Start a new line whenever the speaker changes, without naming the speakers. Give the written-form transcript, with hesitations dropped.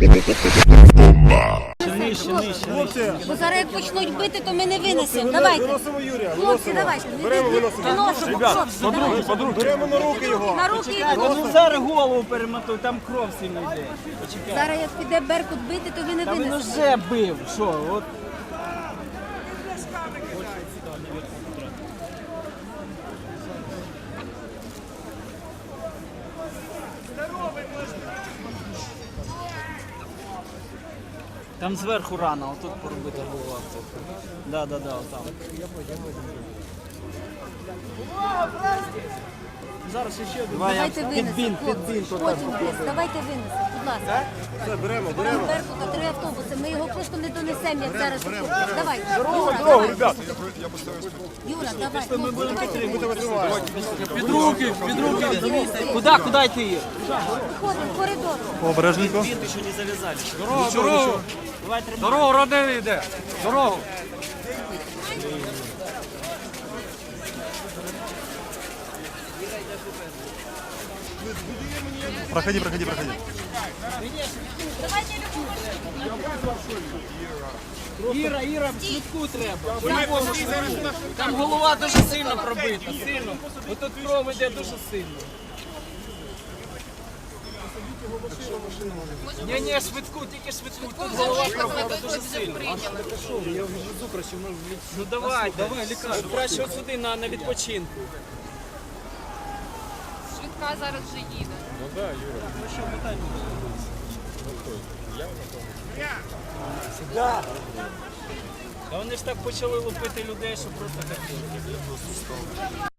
Нижче.
Бо зараз як почнуть бити, то ми не винесемо. Давайте.
Виносимо Юрія.
Хлопці, давайте. Виносимо.
Подруги. Беремо на руки його.
На руки і
Ну
виносимо.
зараз голову перемотуй, там кров сильно йде. Почекай.
Зараз як піде Беркут бити, то ви не
Та він
винесете.
вже бив. Що? От. Там зверху рана, отут поробити голова. Да, отам. Зараз ще один.
Давайте винесемо, хлопці. Потім винесемо. Давайте винесемо, будь ласка.
Все, беремо.
Беремо Беркута, 3 автобуси. Ми його просто не донесемо, як зараз. Давай.
Дорогу,
Давай.
ребят.
Юра, давай. Давайте.
Під руки. Куди йти її?
Виходимо в коридор.
Обережненько.
Бинты еще не завязали.
Дорогу!
Давай тримай.
Дорогу, родини йде! Дорогу! Проходи.
Іра, в швидку треба. Там голова дуже сильно пробита, сильно. Ось тут кров йде дуже сильно. Ні, швидку, тільки швидку. Тут голова пробита дуже сильно. Ну давай, лікар. Краще от сюди на відпочинку.
Швидка зараз вже їде.
Та вони ж так почали лупити людей, що просто таке.